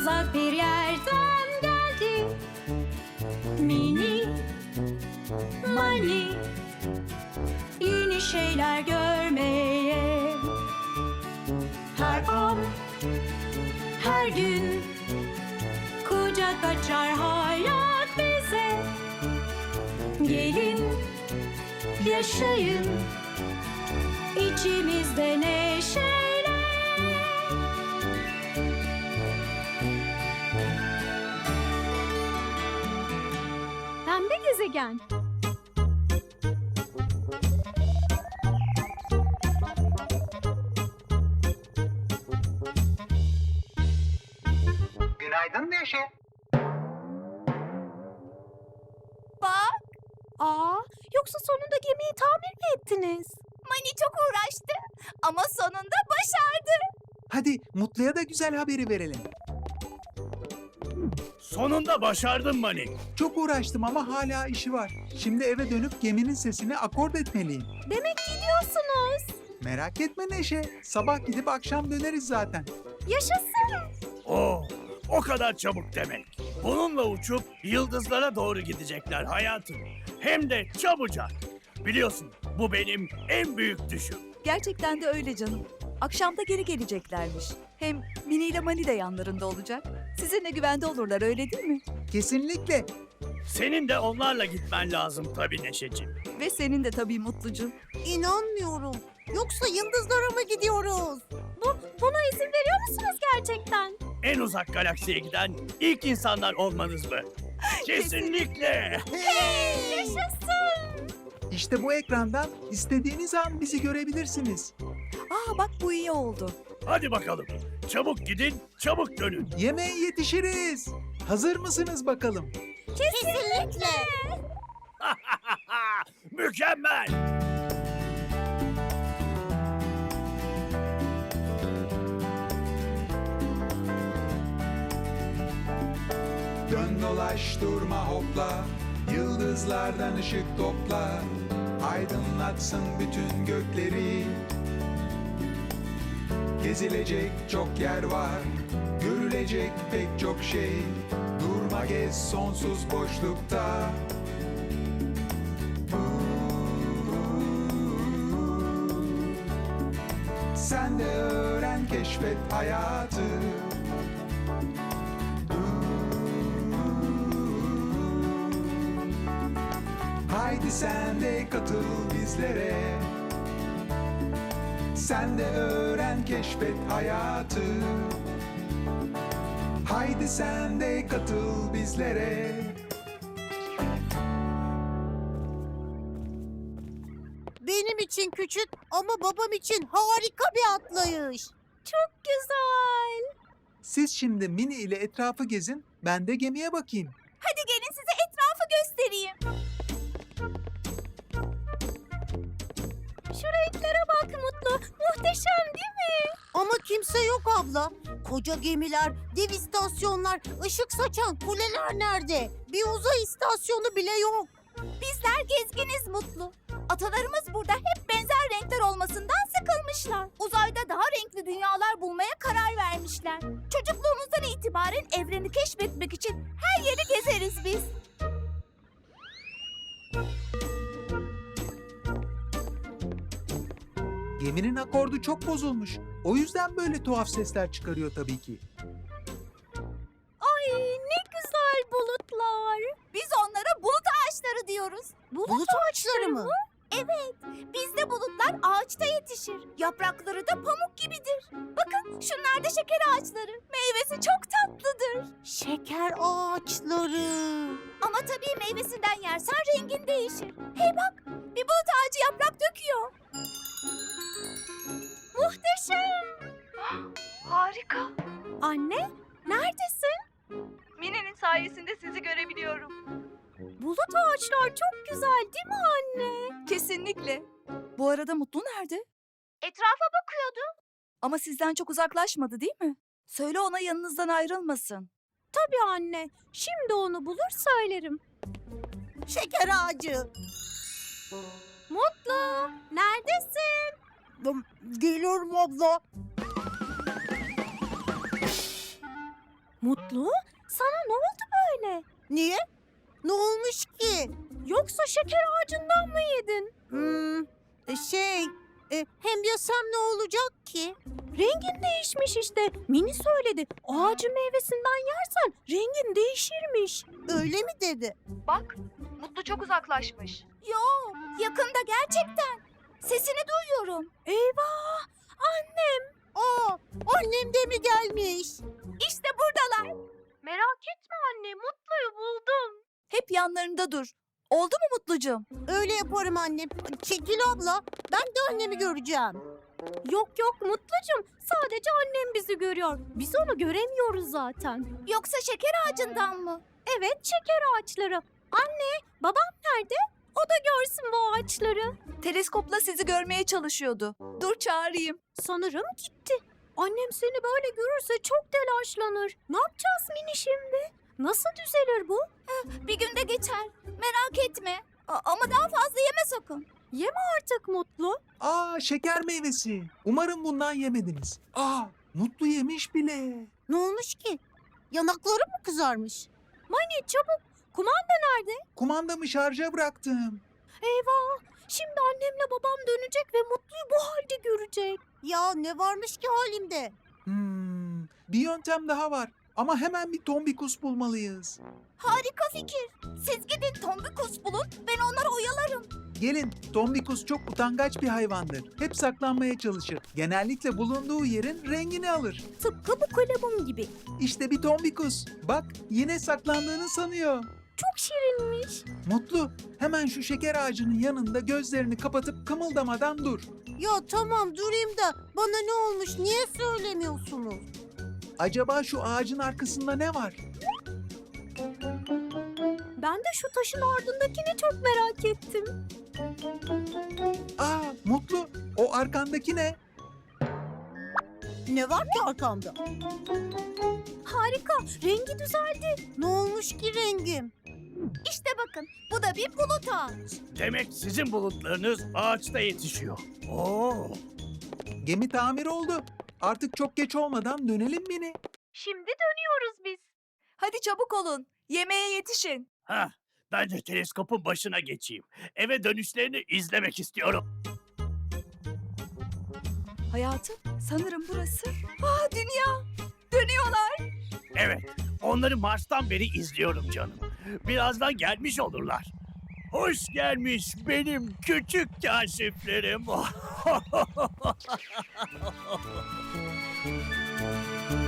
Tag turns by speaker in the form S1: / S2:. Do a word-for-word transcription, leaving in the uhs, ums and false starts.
S1: uzak bir yerden geldi. Mini Mani, yeni şeyler görmeye. Her an, her gün kucak açar hayat bize. Gelin, yaşayın içimizde neşeyle. Pembe gezegen.
S2: Günaydın Neşe.
S1: Bak. Aa, yoksa sonunda gemiyi tamir mi ettiniz? Mani çok uğraştı ama sonunda başardı.
S2: Hadi Mutlu'ya da güzel haberi verelim.
S3: Sonunda başardın Mani.
S2: Çok uğraştım ama hala işi var. Şimdi eve dönüp geminin sesini akord etmeliyim.
S1: Demek gidiyorsunuz.
S2: Merak etme Neşe. Sabah gidip akşam döneriz zaten.
S1: Yaşasın.
S3: Oo, o kadar çabuk demek. Bununla uçup yıldızlara doğru gidecekler hayatım. Hem de çabucak. Biliyorsun bu benim en büyük düşüm.
S4: Gerçekten de öyle canım. Akşamda geri geleceklermiş. Hem Mini ile Mani de yanlarında olacak. Sizinle güvende olurlar, öyle değil mi?
S2: Kesinlikle.
S3: Senin de onlarla gitmen lazım tabii Neşeciğim.
S4: Ve senin de tabii Mutlucuğum.
S5: İnanmıyorum. Yoksa yıldızlara mı gidiyoruz?
S1: Bu, buna izin veriyor musunuz gerçekten?
S3: En uzak galaksiye giden ilk insanlar olmanız mı? Kesinlikle.
S5: Hey!
S1: Yaşasın.
S2: İşte bu ekrandan istediğiniz an bizi görebilirsiniz.
S4: Aa bak bu iyi oldu.
S3: Hadi bakalım. Çabuk gidin, çabuk dönün.
S2: Yemeğe yetişiriz. Hazır mısınız bakalım?
S5: Kesinlikle.
S3: Mükemmel.
S6: Dön dolaş durma hopla, yıldızlardan ışık topla, aydınlatsın bütün gökleri. Gezilecek çok yer var, görülecek pek çok şey, durma gez sonsuz boşlukta. Sen de öğren, keşfet hayatı. Haydi sen de katıl bizlere. Sen de öğren, keşfet hayatı. Haydi sen de katıl bizlere.
S5: Benim için küçük ama babam için harika bir atlayış.
S1: Çok güzel.
S2: Siz şimdi Mini ile etrafı gezin, ben de gemiye bakayım.
S1: Hadi gelin size etrafı göstereyim. Şu renklere bak Mutlu. Muhteşem değil mi?
S5: Ama kimse yok abla. Koca gemiler, dev istasyonlar, ışık saçan kuleler nerede? Bir uzay istasyonu bile yok.
S1: Bizler gezginiz Mutlu. Atalarımız burada hep benzer renkler olmasından sıkılmışlar. Uzayda daha renkli dünyalar bulmaya karar vermişler. Çocukluğumuzdan itibaren evreni keşfetmek için her yeri gezeriz biz.
S2: Geminin akordu çok bozulmuş. O yüzden böyle tuhaf sesler çıkarıyor tabii ki.
S1: Ay ne güzel bulutlar. Biz onlara bulut ağaçları diyoruz.
S5: Bulut ağaçları mı?
S1: Evet, bizde bulutlar ağaçta yetişir. Yaprakları da pamuk gibidir. Bakın şunlar da şeker ağaçları. Meyvesi çok tatlıdır.
S5: Şeker ağaçları.
S1: Ama tabii meyvesinden yersen rengin değişir. Hey bak, bir bulut ağacı yaprak döküyor. Muhteşem.
S4: Harika.
S1: Anne, neredesin?
S4: Mini'nin sayesinde sizi görebiliyorum.
S1: Bulut ağaçlar çok güzel değil mi anne?
S4: Kesinlikle. Bu arada Mutlu nerede?
S1: Etrafa bakıyordu.
S4: Ama sizden çok uzaklaşmadı değil mi? Söyle ona yanınızdan ayrılmasın.
S1: Tabii anne, şimdi onu bulur söylerim.
S5: Şeker ağacı.
S1: Mutlu, neredesin?
S5: Geliyorum abla. Mutlu, sana ne oldu böyle? Niye? Ne olmuş ki? Yoksa şeker ağacından mı yedin? Hmm, e, şey, e, hem yesem ne olacak ki? Rengin değişmiş işte. Mini söyledi. Ağacın meyvesinden yersen rengin değişirmiş. Öyle mi dedi?
S4: Bak, Mutlu çok uzaklaşmış.
S1: Yo, yakında gerçekten. Sesini duyuyorum.
S5: Eyvah! Annem! Aa, annem de mi gelmiş?
S1: İşte buradalar.
S5: Merak etme anne, Mutlu'yu buldum.
S4: Hep yanlarında dur. Oldu mu Mutlucuğum?
S5: Öyle yaparım annem. Çekil abla, ben de annemi göreceğim. Yok yok Mutlucuğum, sadece annem bizi görüyor. Biz onu göremiyoruz zaten.
S1: Yoksa şeker ağacından mı?
S5: Evet, şeker ağaçları. Anne, babam nerede? O da görsün bu ağaçları.
S4: Teleskopla sizi görmeye çalışıyordu. Dur çağırayım.
S5: Sanırım gitti. Annem seni böyle görürse çok telaşlanır. Ne yapacağız Mini şimdi? Nasıl düzelir bu?
S1: Bir günde geçer. Merak etme. A- ama daha fazla yeme sakın.
S5: Artık Mutlu.
S2: Aa, şeker meyvesi. Umarım bundan yemediniz. Aa, Mutlu yemiş bile.
S5: Ne olmuş ki? Yanakları mı kızarmış? Mani çabuk. Kumanda nerede?
S2: Kumandamı şarja bıraktım.
S5: Eyvah! Şimdi annemle babam dönecek ve Mutlu'yu bu halde görecek. Ya ne varmış ki halimde?
S2: Hmm, bir yöntem daha var. Ama hemen bir tombikus bulmalıyız.
S1: Harika fikir. Siz gidin tombikus bulun. Ben onları oyalarım.
S2: Gelin, tombikus çok utangaç bir hayvandır. Hep saklanmaya çalışır. Genellikle bulunduğu yerin rengini alır.
S5: Tıpkı bu kalemim gibi.
S2: İşte bir tombikus. Bak, yine saklandığını sanıyor.
S5: Çok şirinmiş.
S2: Mutlu, hemen şu şeker ağacının yanında gözlerini kapatıp kımıldamadan dur.
S5: Ya tamam durayım da bana ne olmuş niye söylemiyorsunuz?
S2: Acaba şu ağacın arkasında ne var?
S5: Ben de şu taşın ardındakini çok merak ettim.
S2: Aa, Mutlu, o arkandaki ne?
S5: Ne var ki arkamda? Harika, rengi düzeldi. Ne olmuş ki rengim?
S1: İşte bakın. Bu da bir bulut ağaç.
S3: Demek sizin bulutlarınız ağaçta yetişiyor. Oo.
S2: Gemi tamir oldu. Artık çok geç olmadan dönelim Mini.
S5: Şimdi dönüyoruz biz.
S4: Hadi çabuk olun. Yemeğe yetişin.
S3: Ha, ben de teleskopun başına geçeyim. Eve dönüşlerini izlemek istiyorum.
S4: Hayatım, sanırım burası. Aa, dünya. Dönüyorlar.
S3: Evet, onları Mars'tan beri izliyorum canım. Birazdan gelmiş olurlar. Hoş gelmiş benim küçük kaşiflerim.